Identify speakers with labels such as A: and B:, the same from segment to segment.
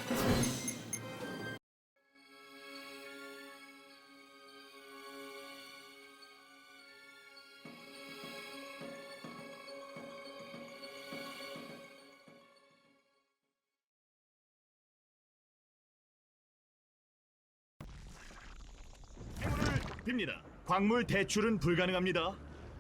A: 행운을 빕니다. 광물 대출은 불가능합니다.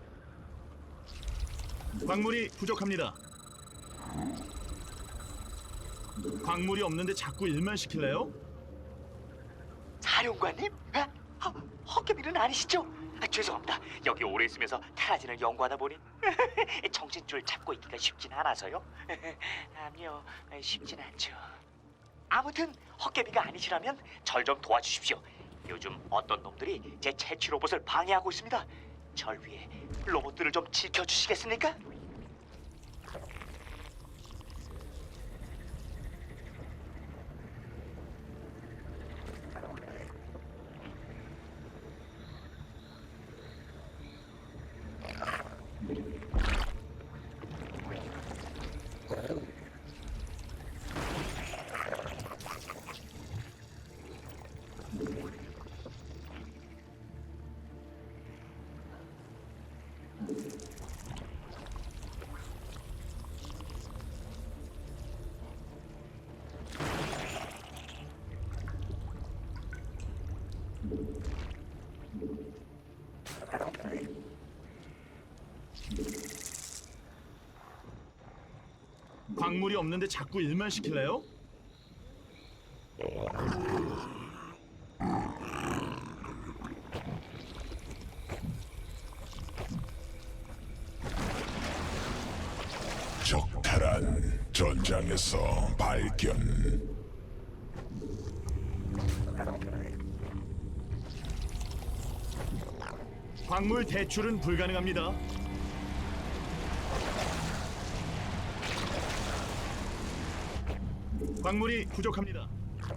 A: 광물이 부족합니다. 광물이 없는데 자꾸 일만 시킬래요?
B: 사령관님? 헛개비는 아니시죠? 죄송합니다. 여기 오래 있으면서 테라진을 연구하다 보니 정신줄 잡고 있기가 쉽진 않아서요. 아니요, 쉽진 않죠. 아무튼 헛개비가 아니시라면 절 좀 도와주십시오. 요즘 어떤 놈들이 제 채취 로봇을 방해하고 있습니다. 절 위해 로봇들을 좀 지켜주시겠습니까?
A: 광물이 없는데 자꾸 일만 시킬래요?
C: 적탈한 전장에서 발견.
A: 광물 대출은 불가능합니다. 광물이 부족합니다.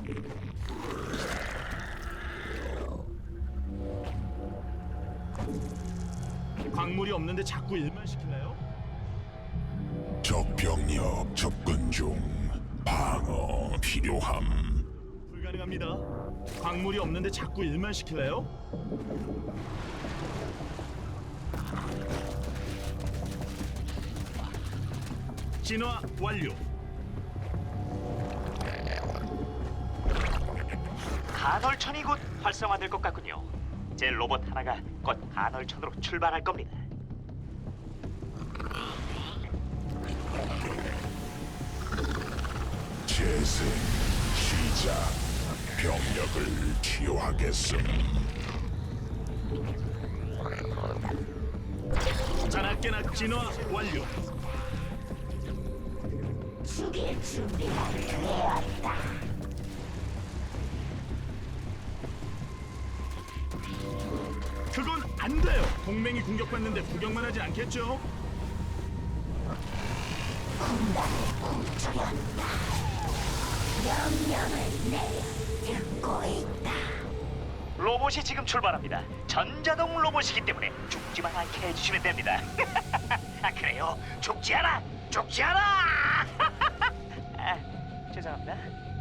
A: 광물이 없는데 자꾸 일만 시킬래요?
C: 적병력 접근 중. 방어 필요함.
A: 불가능합니다. 광물이 없는데 자꾸 일만 시킬래요? 진화 완료.
B: 간헐천이 곧 활성화될 것 같군요. 제 로봇 하나가 곧 간헐천으로 출발할 겁니다.
C: 재생 시작. 병력을 치유하겠음.
A: 자나깨나 진화 완료.
D: 죽일 준비가 되었다.
A: 그건 안 돼요. 동맹이 공격받는데 구경만 하지 않겠죠?
D: 군단을 굶주렸다. 명령을 내려 듣고 있다.
B: 로봇이 지금 출발합니다. 전자동 로봇이기 때문에 죽지만 않게 해주시면 됩니다. 그래요. 죽지 않아! 죽지 않아! 죄송합니다.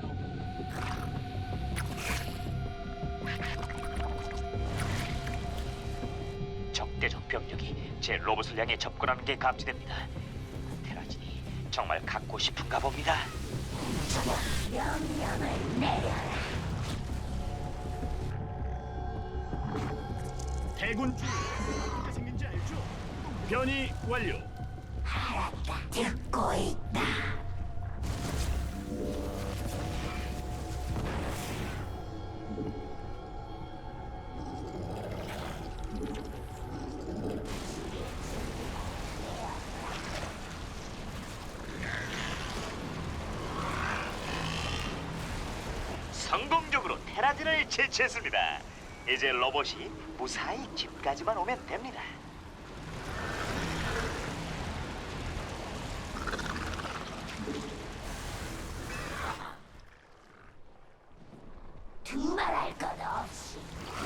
B: 적대적 병력이 제 로봇을 향해 접근하는 게 감지됩니다. 테라진이 정말 갖고 싶은가 봅니다.
D: 명령을 내려라.
A: 대군주 어떻게 생긴지 알죠? 변이 완료.
D: 알았다. 듣고 있다.
B: 성공적으로 테라진을 제치했습니다. 이제 로봇이 무사히 집까지만 오면 됩니다.
D: 두말할 것 없이.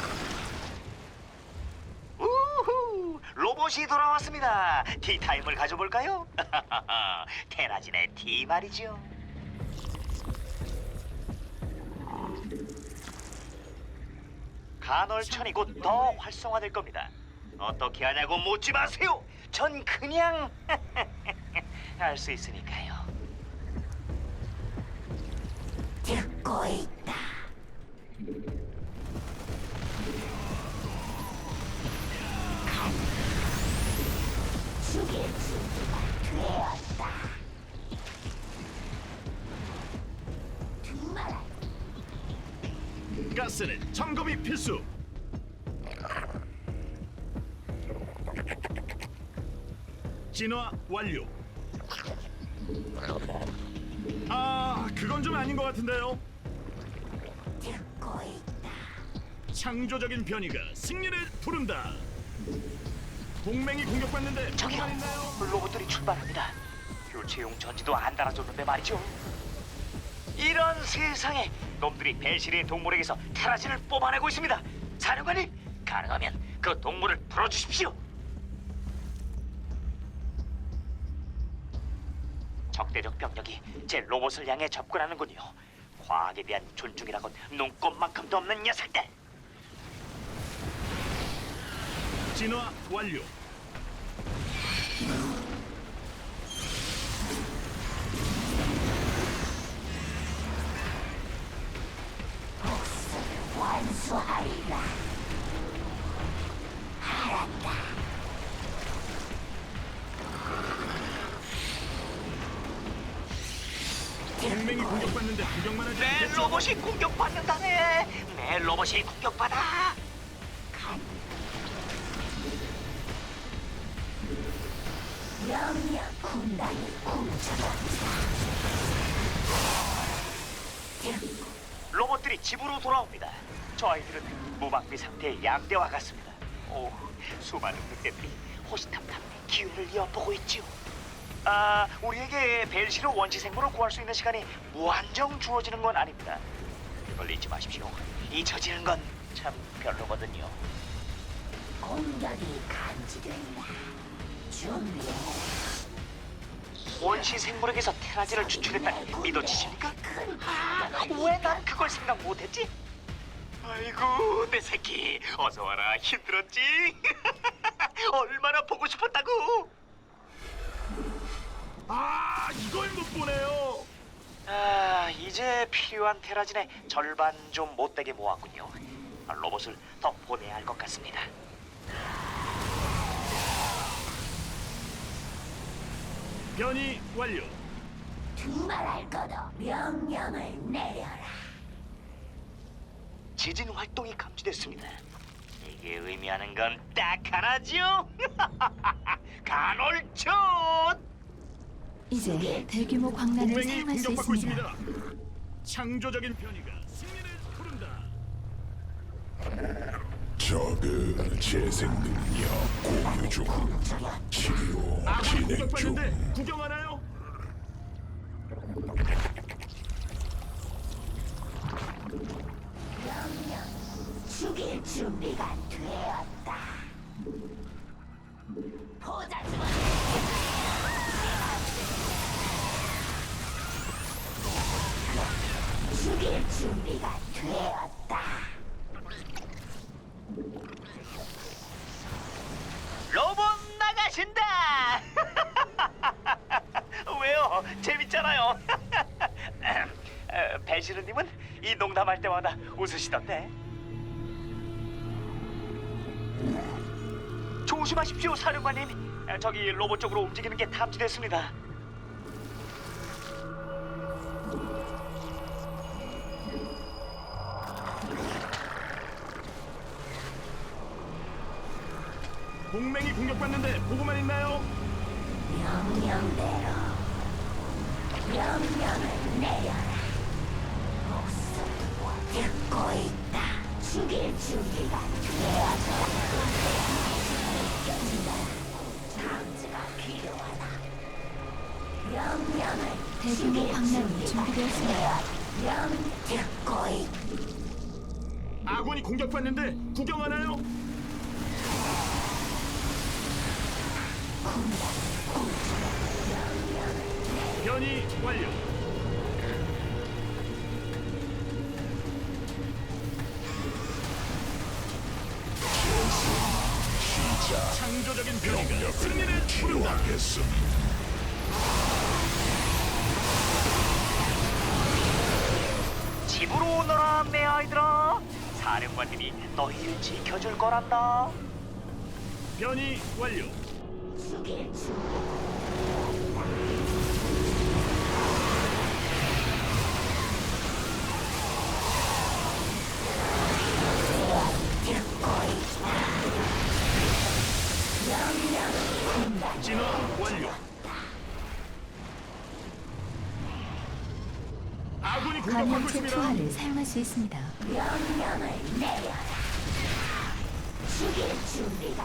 B: 우후! 로봇이 돌아왔습니다. 티타임을 가져볼까요? 테라진의 티 말이죠. 간헐천이 곧 더 활성화될 겁니다. 어떻게 하냐고 묻지 마세요. 전 그냥 할 수 있으니까요.
D: 듣고 있다. 죽일 준비가 되었다. 두말
A: 가스는 점검이 필수. 진화 완료. 아, 그건 좀 아닌 것 같은데요.
D: 듣고 있다.
A: 창조적인 변이가 승리를 부른다. 동맹이 공격받는데
B: 저기요,
A: 불만 있나요?
B: 로봇들이 출발합니다. 교체용 전지도 안 달아줬는데 말이죠. 이런 세상에 놈들이 벨시리의 동물에게서 테라진을 뽑아내고 있습니다. 사령관님, 가능하면 그 동물을 풀어주십시오. 적대적 병력이 제 로봇을 향해 접근하는군요. 과학에 대한 존중이라곤 눈꼽만큼도 없는 녀석들.
A: 진화 완료.
D: 완수하리라. 알았다.
A: 동맹이 공격받는데 구경만 하지
B: 내
A: 않겠죠?
B: 로봇이 공격받는다네. 내 로봇이 공격받아.
D: 명령 군단이 훔쳐간다.
B: 로봇들이 집으로 돌아옵니다. 저희들은 무방비 상태의 양대와 같습니다. 오, 수많은 늑대들이 호시탐탐 기회를 엿보고 있지요. 아, 우리에게 벨시로 원시 생물을 구할 수 있는 시간이 무한정 주어지는 건 아닙니다. 그걸 잊지 마십시오. 잊혀지는 건 참 별로거든요.
D: 공격이 감지된다. 준비해.
B: 원시 생물에게서 테라진을 추출했다니 믿어지십니까? 아, 왜 난 그걸 생각 못했지? 아이고, 내 새끼, 어서 와라. 힘들었지? 얼마나 보고 싶었다고?
A: 아, 이걸 못 보네요.
B: 아, 이제 필요한 테라진의 절반 좀 못되게 모았군요. 로봇을 더 보내야 할 것 같습니다.
A: 변이 완료.
D: 두말할 것도 명령을 내려라.
B: 지진 활동이 감지됐습니다. 이게 의미하는 건 딱 하나죠. 간헐천.
E: 이제 대규모 광란을
A: 동맹이
E: 사용할 수
A: 공격받고
E: 있습니다.
A: 있습니다. 창조적인 변이가 승리를 부른다.
C: 저그 재생 능력 공유 중. 치료
A: 아군이
C: 진행
A: 공격받는데
C: 중.
A: 구경하나요?
D: 죽일 준비가 되었다. 보자 주마. 죽일 준비가 되었다.
B: 로봇 나가신다. 왜요? 재밌잖아요. 배시르님은 이 농담할 때마다 웃으시던데. 조심하십시오, 사령관님. 저기 로봇 쪽으로 움직이는 게 탐지됐습니다.
A: 동맹이 공격받는데 보고만 있나요?
D: 명령대로 명령을 내려라. 목소리와 듣고 있다. 죽일 준비가 되어서 느껴진다. 장치가 필요하다. 명령을
E: 대규모
D: 죽일
E: 광란이
D: 준비가
E: 준비되었습니다.
D: 되어. 명 듣고 있다.
A: 아군이 공격받는데 구경하나요? 변이 완료. 창조적인 변이가
C: 병력을
A: 승리를 부른다.
C: 치유하겠음.
B: 집으로 오너라 내 아이들아. 사령관님이 너희를 지켜줄 거란다.
A: 변이 완료.
D: 죽일 준비
A: 진화 완료. 아군이 공격받고
E: 감염체
A: 있습니다.
E: 투하를 사용할 수 있습니다.
D: 명령을 내려라. 죽일 준비가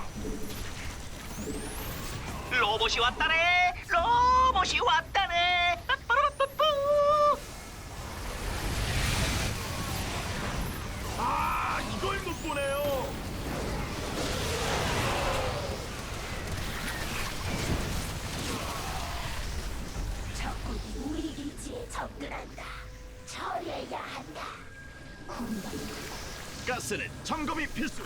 B: 로봇이 왔다네. 로봇이 왔다네. 빠빠라빠뿌.
A: 아, 이걸 못 보네요.
D: 적군이 우리 기지에 접근한다. 처리해야 한다. 군단
A: 가스는 점검이 필수.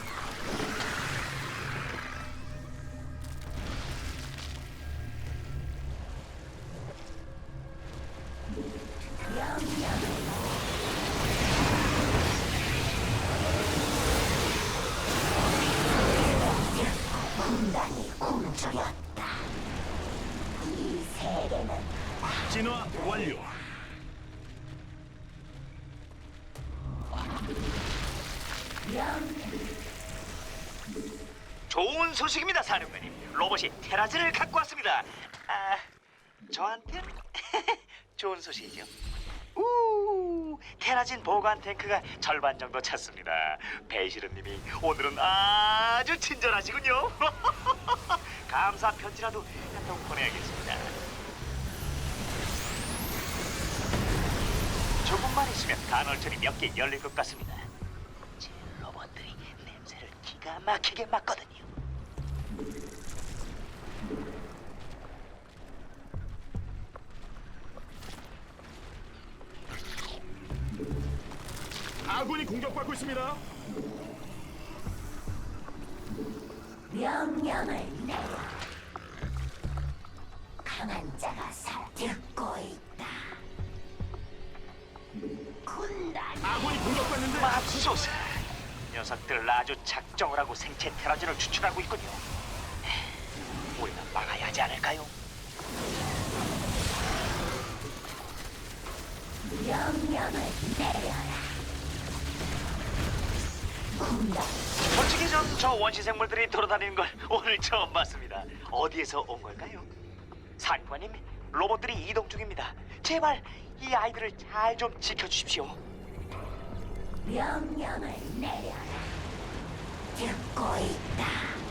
D: 군단이 굶주렸다. 이 세계는
A: 진화 완료.
B: 좋은 소식입니다, 사령관님. 로봇이 테라즈를 갖고 왔습니다. 아, 저한텐 좋은 소식이죠. 테라진 보관 탱크가 절반 정도 찼습니다. 배시르님이 오늘은 아주 친절하시군요. 감사 편지라도 한 통 보내야겠습니다. 조금만 있으면 간헐천이 몇 개 열릴 것 같습니다. 제 로봇들이 냄새를 기가 막히게 맡거든요.
A: 아군이 공격받고 있습니다.
D: 명령을 내려. 강한 자가 듣고 있다. 군단
A: 아군이 공격받는데
B: 맙소사. 녀석들 아주 작정을 하고 생체 테라진을 추출하고 있군요. 우리가 막아야 하지 않을까요?
D: 명령을 내려라. 군단
B: 솔직히 전 저 원시 생물들이 돌아다니는 걸 오늘 처음 봤습니다. 어디에서 온 걸까요? 사령관님, 로봇들이 이동 중입니다. 제발 이 아이들을 잘 좀 지켜주십시오.
D: 명령을 내려라. 듣고 있다.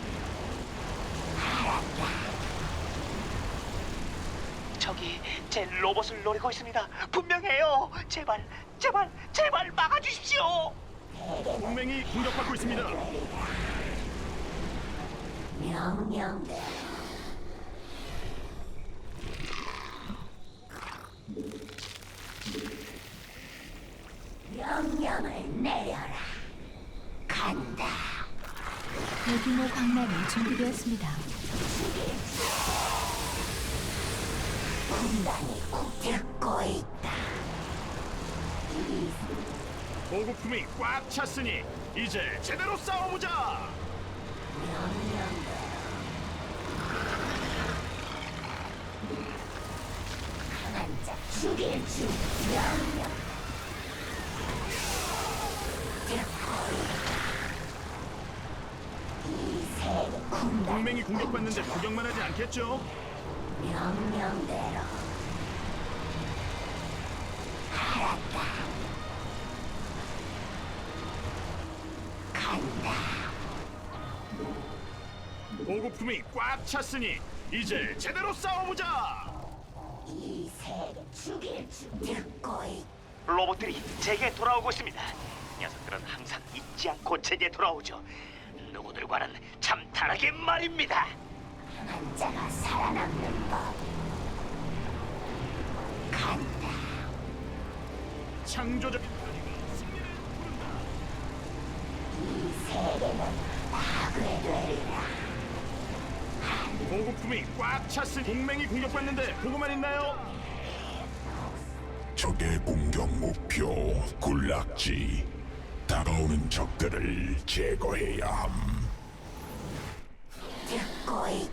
B: 저기 제 로봇을 노리고 있습니다. 분명해요. 제발, 제발, 제발 막아주십시오.
A: 동맹이 공격받고 있습니다.
D: 명령대로 명령을 내려라. 간다.
E: 대규모 광란이 준비되었습니다.
D: 군단이 듣고 있다.
A: 보급품이 꽉 찼으니 이제 제대로 싸워보자.
D: 강한 자 죽일 주 명령. 이 세계 군단
A: 동맹이 공격받는데 구경만 하지 않겠죠?
D: 명령대로 알았다. 간다.
A: 보급품이 꽉 찼으니 이제 제대로 싸워보자.
D: 이 세계 죽일 줄 듣고 있.
B: 로봇들이 제게 돌아오고 있습니다. 녀석들은 항상 잊지 않고 제게 돌아오죠. 누구들과는 참 다르게 말입니다.
D: 강한 자가 살아남는 법. 간다.
A: 창조적인 변이가 승리를 부른다.
D: 이 세계는 파괴되리라.
A: 보급품이 꽉 찼으니 동맹이 공격받는데 보고만 있나요?
C: 적의 공격 목표 군락지. 다가오는 적들을 제거해야 함.
D: 듣고 있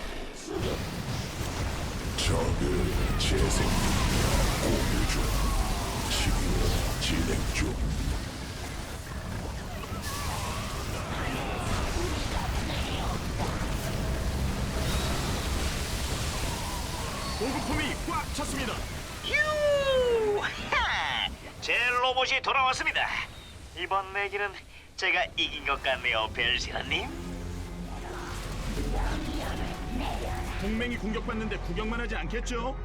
C: 적의 재생 능력 공유 중. 치료 진행 중.
A: 보급품이 꽉 찼습니다.
B: 유하! 제 로봇이 돌아왔습니다. 이번 내기는 제가 이긴 것 같네요, 벨시라님.
A: 동맹이 공격받는데 구경만 하지 않겠죠?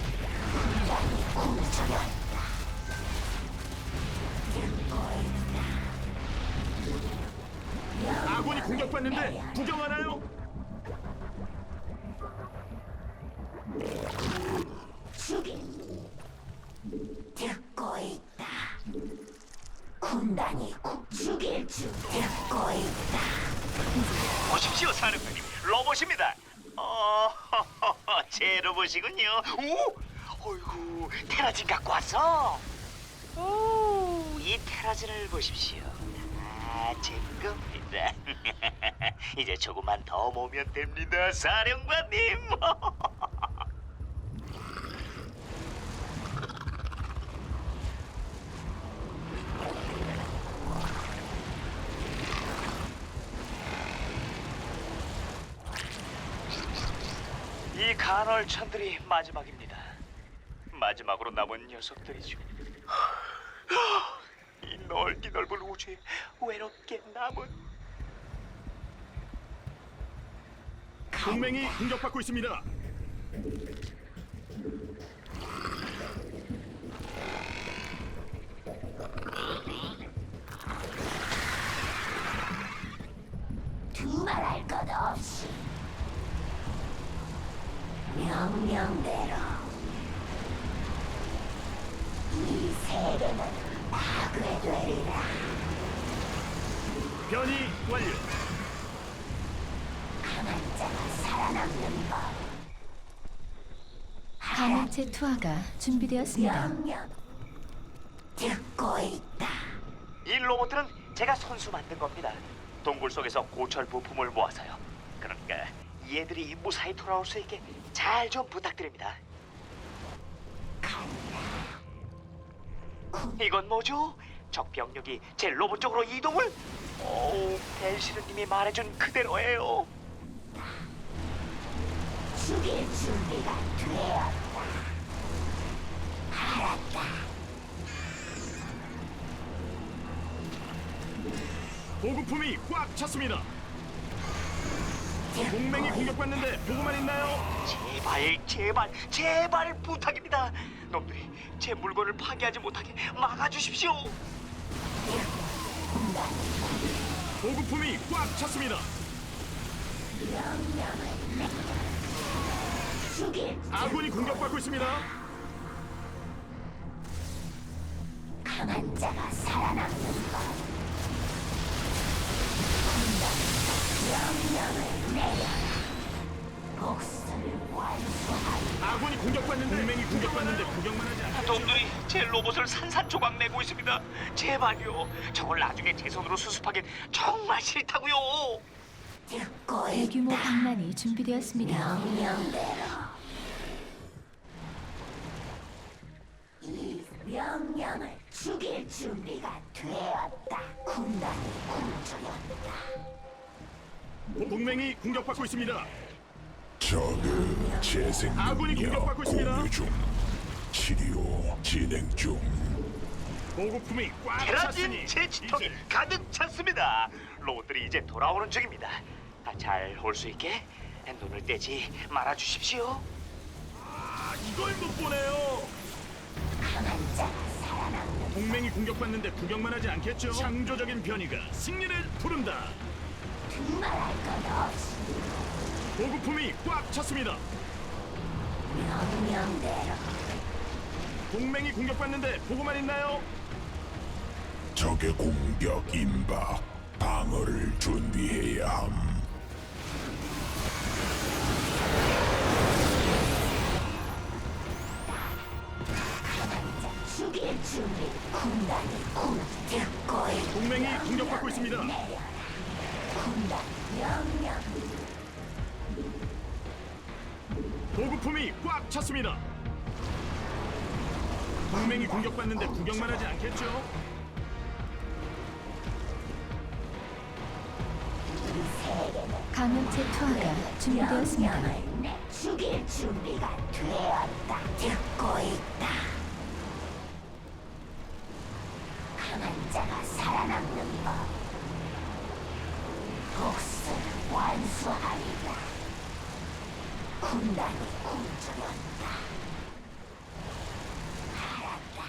A: 아군이 공격받는데 구경하나요?
D: 듣고 있다. 군단이 죽일 줄 듣고 있다.
B: 보십시오, 사령관님. 로봇입니다. 제 로봇이군요. 오, 어이구, 테라진 갖고 왔어. 오, 이 테라진을 보십시오. 제 겁니다. 이제 조금만 더 모으면 됩니다, 사령관님. 이 간헐천들이 마지막입니다. 마지막으로 남은 녀석들이죠. 이 넓기 넓은 우주에 외롭게 남은
A: 동맹이 공격받고 있습니다.
D: 두말할 것 없이 명령대로 이 세계는 파괴되리라.
A: 변이 완료.
D: 강한 자가 살아남는 법.
E: 감염체 투하가 준비되었습니다.
D: 명령 듣고 있다.
B: 이 로봇들은 제가 손수 만든 겁니다. 동굴 속에서 고철 부품을 모아서요. 그러니까 얘들이 무사히 돌아올 수 있게 잘 좀 부탁드립니다. 이건 뭐죠? 적 병력이 제 로봇 쪽으로 이동을? 오, 벨시르님이 말해준 그대로예요.
D: 죽일 준비가 되었다. 알았다.
A: 보급품이 꽉 찼습니다. 동맹이 공격받는데 보고만 있나요?
B: 제발, 제발, 제발 부탁입니다. 놈들이 제 물건을 파괴하지 못하게 막아주십시오.
A: 보급품이 꽉 찼습니다.
D: 죽일
A: 아군이 공격받고 있습니다.
D: 강한 자가 살아남는 법. 명령을 내려라. 복수를 완수하리.
A: 아군이 공격받는데 동맹이 공격받는데 구경만 하지 않겠죠?
B: 놈들이 제 로봇을 산산조각 내고 있습니다. 제발요. 저걸 나중에 제 손으로 수습하긴 정말 싫다고요.
D: 듣고
E: 대규모
D: 있다.
E: 방란이 준비되었습니다.
D: 명령대로 이 명령을 죽일 준비가 되었다. 군단이 굶주렸다.
A: 동맹이 공격받고 있습니다.
C: 적의 재생
A: 아군이
C: 능력
A: 공격받고 있습니다.
C: 공유 중. 치료 진행 중.
A: 보급품이 꽉
B: 테라진
A: 찼으니
B: 제치통이
A: 이제
B: 가득 찼습니다. 로봇들이 이제 돌아오는 중입니다. 잘 올 수 있게 눈을 떼지 말아 주십시오.
A: 이걸 못 보네요.
D: 강한 자가 살아남는
A: 동맹이 공격받는데 구경만 하지 않겠죠? 창조적인 변이가 승리를 부른다.
D: 두말할 것 없이
A: 보급품이 꽉 찼습니다.
D: 명령대로
A: 동맹이 공격받는데 보고만 있나요?
C: 적의 공격 임박. 방어를 준비해야 함.
D: 준비. 군단이 군 듣고 있다.
A: 동맹이 공격받고 있습니다.
D: 군단 명령.
A: 보급품이 꽉 찼습니다. 동맹이 공격받는데 구경만 하지 않겠죠?
E: 감염체 투하가 준비되었습니다.
D: 명령을 내 죽일 준비가 되었다. 듣고 있다. 강한 자가 살아남는 법. 복수는 완수하리라. 군단이 굶주렸다. 알았다.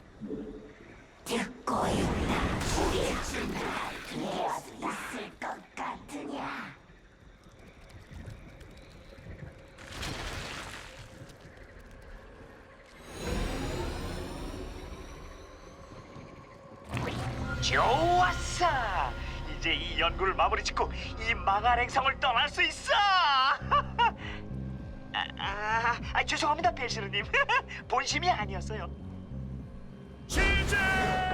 D: 듣고 있다. 죽일 준비가 되었다. 있을 것 같으냐?
B: 좋았어. 이제 이 연구를 마무리 짓고 이 망할 행성을 떠날 수 있어. 죄송합니다, 벨시르님. 본심이 아니었어요.
A: 시작!